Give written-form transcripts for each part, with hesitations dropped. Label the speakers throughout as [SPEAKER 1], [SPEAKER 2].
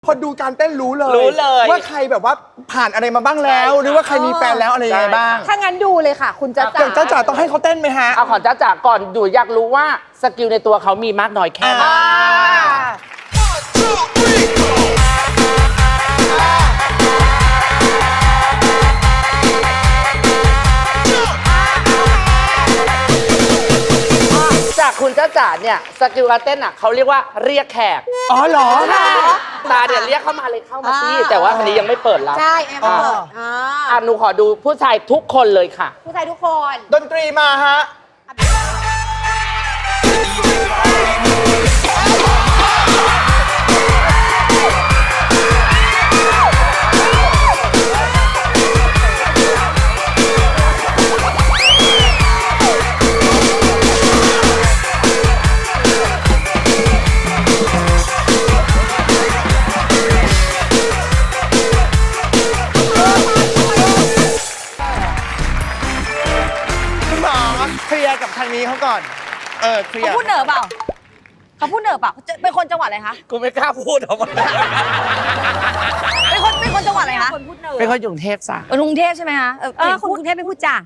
[SPEAKER 1] พอดูการเต้นรู้เลยว่าใครแบบว่าผ่านอะไรมาบ้างแล้วหรือว่าใครมีแฟนแล้วอะไรยังไงบ้าง
[SPEAKER 2] ถ้างั้นดูเลยค่ะคุณจ๊ะจ๋า
[SPEAKER 1] จ๊ะจ๋าต้องให้เขาเต้นไหมฮะ
[SPEAKER 3] เอาของจ๊ะจ๋าก่อนดูอยากรู้ว่าสกิลในตัวเขามีมากน้อยแค่ไหนจากคุณจ๊ะจ๋าเนี่ยสกิลการเต้นอ่ะเขาเรียกว่าเรียกแขก
[SPEAKER 1] อ๋อเหรอ
[SPEAKER 3] ตาเดี๋ยวเรียกเข้ามาเลยเข้ามาสิแต่ว่าคันนี้ยังไม่เปิดรับ
[SPEAKER 2] ใช่ยังไม่เปิด
[SPEAKER 3] หนูขอดูผู้ชายทุกคนเลยค่ะ
[SPEAKER 2] ผู้ชายทุกคน
[SPEAKER 1] ดนตรีมาฮะเคลียร์กับทางนี้เขาก่อนเคลียร์
[SPEAKER 2] เขาพูดเหนือเปล่าเขาพูดเหนือเปล่าเป็นคนจังหวัดอะไรคะ
[SPEAKER 3] กูไม่กล้าพูดออกมา
[SPEAKER 2] เป็นคนจังหวัดอะไรคะ
[SPEAKER 3] เป็นคนกรุงเทพจ้ะ
[SPEAKER 2] กรุงเทพใช่ไหมคะคนกรุงเทพไม่พูดจ้า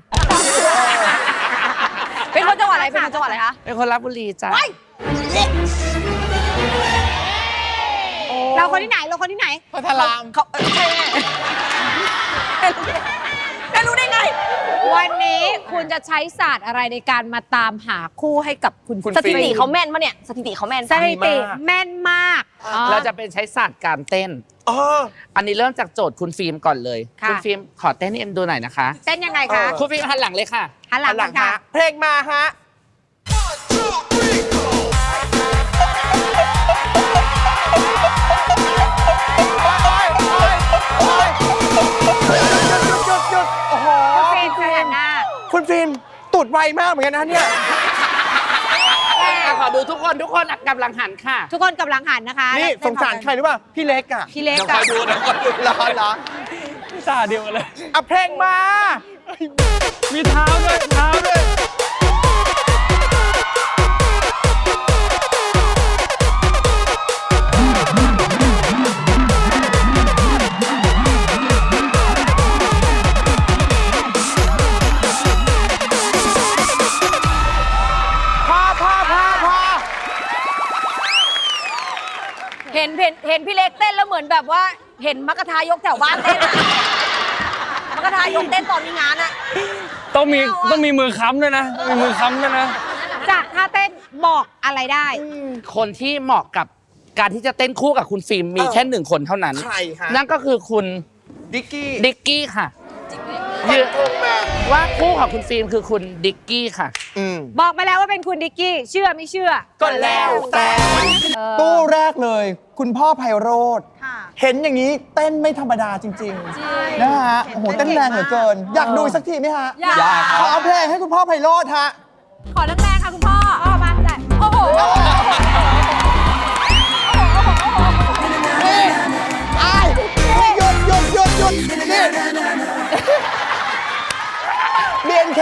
[SPEAKER 2] เป็นคนจังหวัดอะไรเป็นคนจังหวัดอะไรคะ
[SPEAKER 3] เป็นคนราชบุรีจ้ะ
[SPEAKER 2] เราคนที่ไหนเราคนที่ไหน
[SPEAKER 1] พัทราม
[SPEAKER 2] เขาใช่จะรู้ได้ไงวันนี้คุณจะใช้ศาสตร์อะไรในการมาตามหาคู่ให้กับคุณสถิติเขาแม่นปะเนี่ยสถิติเขาแม่นสถิติแม่นมาก
[SPEAKER 3] เราจะเป็นใช้ศาสตร์การเต้นอันนี้เริ่มจากโจทย์คุณฟิล์มก่อนเลยคุณฟิล์มขอเต้นให้เอ็มดูหน่อยนะคะ
[SPEAKER 2] เต้นยังไงคะ
[SPEAKER 3] คุณฟิล์มหันหลังเลยค่ะ
[SPEAKER 2] หันหลังค่ะ
[SPEAKER 1] เพลงมาฮะคุณฟิล์มตูดไวมากเหมือนกันนะเนี่ย
[SPEAKER 3] ขอดูทุกคนกำลังหันค่ะ
[SPEAKER 2] ทุกคนกำลังหันนะคะ
[SPEAKER 1] นี่สงสารใครหรือเปล่าพี่เล็กอ่ะ
[SPEAKER 2] พี่เล็ก
[SPEAKER 1] อ่ะเหรอ
[SPEAKER 4] ตาเดียวเลย
[SPEAKER 1] เพลงมา
[SPEAKER 4] มีเท้าด้วย
[SPEAKER 2] เห็นพี่เล็กเต้นแล้วเหมือนแบบว่าเห็นมักกะทายกแถวบ้านเต้นมักกะทายกเต้นตอนมีงานอะ
[SPEAKER 4] ต้องมีมือค้ำด้วยนะมีมือค้ำด้วยนะ
[SPEAKER 2] จากท่าเต้นบอกอะไรได้
[SPEAKER 3] คนที่เหมาะกับการที่จะเต้นคู่กับคุณฟิล์มมีแค่1คนเท่านั้น
[SPEAKER 1] ใครคะ
[SPEAKER 3] นั่นก็คือคุณ
[SPEAKER 1] ดิกกี้
[SPEAKER 3] ค่ะว่าคู่ของคุณฟิล์มคือคุณดิกกี้ค่ะ
[SPEAKER 2] บอกมาแล้วว่าเป็นคุณดิกกี้เชื่อไม่เชื่อ
[SPEAKER 3] ก็แล้วแต่
[SPEAKER 1] ตู้แรกเลยคุณพ่อไพโรจน์เห็นอย่างนี้เต้นไม่ธรรมดาจริงๆนะฮะโอ้โหเต้นแรงเหลือเกินอยากดูสักทีไหมฮะ
[SPEAKER 2] อยาก
[SPEAKER 1] ขอเพลงให้คุณพ่อไพโรจน์ฮะ
[SPEAKER 2] ขอแรงๆค่ะคุณพ่อมาใส่โอ้โห
[SPEAKER 1] หยุดนี่BNK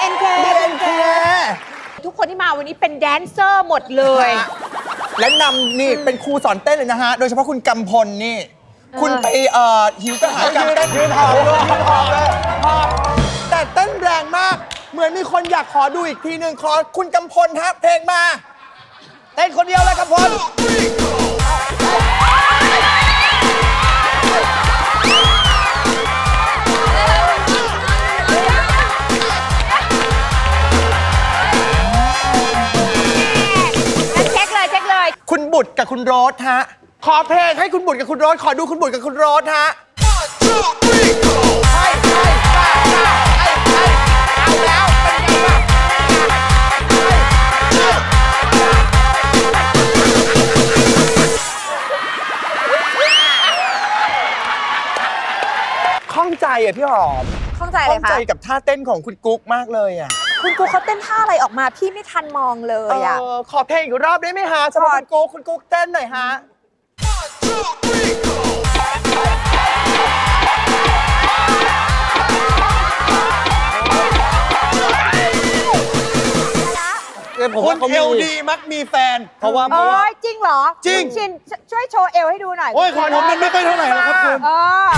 [SPEAKER 2] ทุกคนที่มาวันนี้เป็นแดนเซอร์หมดเลย
[SPEAKER 1] และนำนี่เป็นครูสอนเต้นเลยนะฮะโดยเฉพาะคุณกำพลนี่คุณไปหิวกระหายการเต้นยืนหอบเลยแต่เต้นแรงมากเหมือนมีคนอยากขอดูอีกทีหนึ่งขอคุณกำพลฮะเพลงมาเต้นคนเดียวเลยกำพลคุณบุตรกับคุณโรสฮะขอเพลงให้คุณบุตรกับคุณโรสขอดูคุณบุตรกับคุณโรสฮะเอาแล้วเป็นไงบ้างข้องใจอ่ะพี่หอม
[SPEAKER 2] ข้องใจเลยค่ะ
[SPEAKER 1] ข้องใจกับท่าเต้นของคุณกุ๊กมากเลยอ่ะ
[SPEAKER 2] คุณกุ๊กเขาเต้นท่าอะไรออกมาพี่ไม่ทันมองเลยอ่ะ
[SPEAKER 1] ขอเพลงอีกรอบได้ไหมฮะสำหรับคุณกุ๊กเต้นหน่อยฮะผ
[SPEAKER 5] ผม
[SPEAKER 1] ค
[SPEAKER 5] ว่าน เขา
[SPEAKER 1] เอ
[SPEAKER 5] มี
[SPEAKER 1] ลดีมักมีแฟน
[SPEAKER 5] เพราะว่า
[SPEAKER 2] เอ้ยจริงเหรอ
[SPEAKER 1] จริง
[SPEAKER 2] คุณชินช่วยโชว์เอวให้ดูหน่อย
[SPEAKER 1] โอ้ยของผมมันไม่ค่อยเท่าไหร่หรอกครับคุณ
[SPEAKER 2] เออ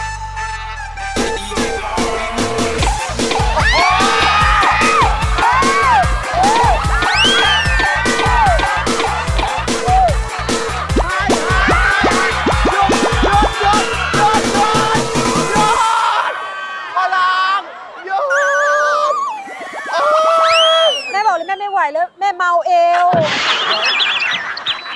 [SPEAKER 1] พลังหยุด
[SPEAKER 2] แม่บอกเลยแม่ไม่ไหวแล้วแม่เมาเอว